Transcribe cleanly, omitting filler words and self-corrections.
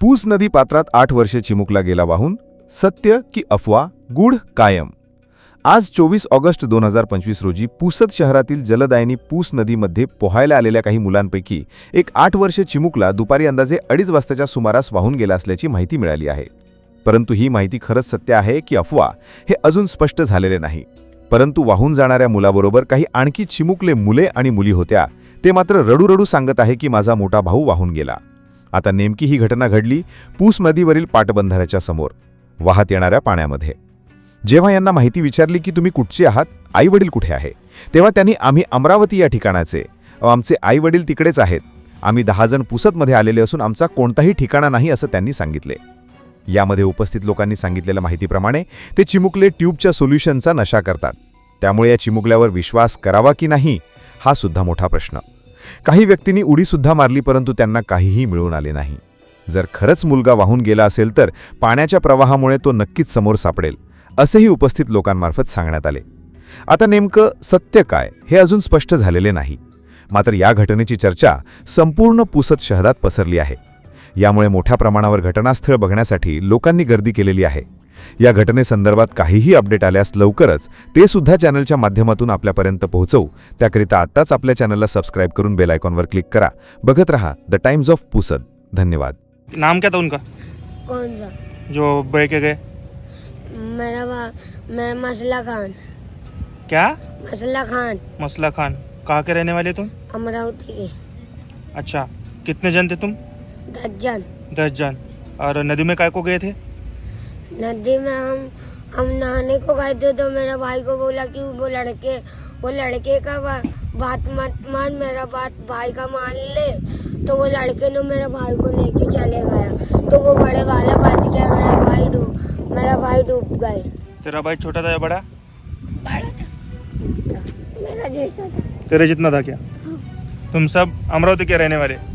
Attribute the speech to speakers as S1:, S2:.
S1: पूस नदी पात्रात 8 वर्षे चिमुकला गेला वाहून. सत्य की अफवा, गूढ कायम. आज 24 ऑगस्ट 2025 रोजी पुसद शहरातील जलदायिनी पूस नदीमध्ये पोहायला आलेल्या काही मुलांपैकी एक 8 वर्षे चिमुकला दुपारी अंदाजे 2:30 वाजताच्या सुमारास वाहून गेला असल्याची माहिती मिळाली आहे. परंतु ही माहिती खरंच सत्य आहे की अफवा हे अजून स्पष्ट झालेले नाही. परंतु वाहून जाणाऱ्या मुलाबरोबर काही आणखी चिमुकले मुले आणि मुली होत्या. ते मात्र रडू सांगत आहे की माझा मोठा भाऊ वाहून गेला. आता नेमकी ही घटना घडली पूस नदीवरील पाटबंधाऱ्याच्या समोर वाहत येणाऱ्या पाण्यामध्ये. जेव्हा यांना माहिती विचारली की तुम्ही कुठचे आहात, आई वडील कुठे आहे, तेव्हा त्यांनी आम्ही अमरावती या ठिकाणाचे, आमचे आई वडील तिकडेच आहेत, आम्ही 10 जण पुसदमध्ये आलेले असून आमचा कोणताही ठिकाणा नाही असं त्यांनी सांगितले. यामध्ये उपस्थित लोकांनी सांगितलेल्या माहितीप्रमाणे ते चिमुकले ट्यूबच्या सोल्युशनचा नशा करतात. त्यामुळे या चिमुकल्यावर विश्वास करावा की नाही हा सुद्धा मोठा प्रश्न. काही व्यक्तींनी उडीसुद्धा मारली परंतु त्यांना काहीही मिळून आले नाही. जर खरंच मुलगा वाहून गेला असेल तर पाण्याच्या प्रवाहामुळे तो नक्कीच समोर सापडेल असेही उपस्थित लोकांमार्फत सांगण्यात आले. आता नेमकं सत्य काय हे अजून स्पष्ट झालेले नाही. मात्र या घटनेची चर्चा संपूर्ण पुसद शहरात पसरली आहे. यामुळे मोठ्या प्रमाणावर घटनास्थळ बघण्यासाठी लोकांनी गर्दी केलेली आहे. या घटनेसंदर्भात काहीही अपडेट आल्यास लवकरच ते सुद्धा चॅनलच्या माध्यमातून आपल्यापर्यंत पोहोचवू. त्याकरिता आत्ताच आपल्या चॅनलला सबस्क्राइब करून बेल आयकॉनवर क्लिक करा. बघत रहा द टाइम्स ऑफ पुसद. धन्यवाद.
S2: नाम क्या था उनका
S3: कौन सा?
S2: जो बह के गए?
S3: मेरा मसला खान.
S2: क्या?
S3: मसला खान,
S2: मसला खान. कहाँ के रहने वाले तुम?
S3: अमरावती के.
S2: अच्छा, कितने जन थे तुम?
S3: 10 जन.
S2: 10 जन. और नदी में काय को गए थे?
S3: नदी में हम नहाने को गए थे तो मेरा भाई को बोला कि वो लड़के का बात मत मान, मेरा बात भाई का मान ले. तो वो लड़के ने मेरे भाई को लेके चले गया तो वो बड़े वाला बच गया. मेरा भाई डूब गए.
S2: तेरा भाई छोटा था या बड़ा?
S3: बड़ा था, मेरा जैसा था.
S2: तेरे जितना था क्या? तुम सब अमरावती के रहने वाले?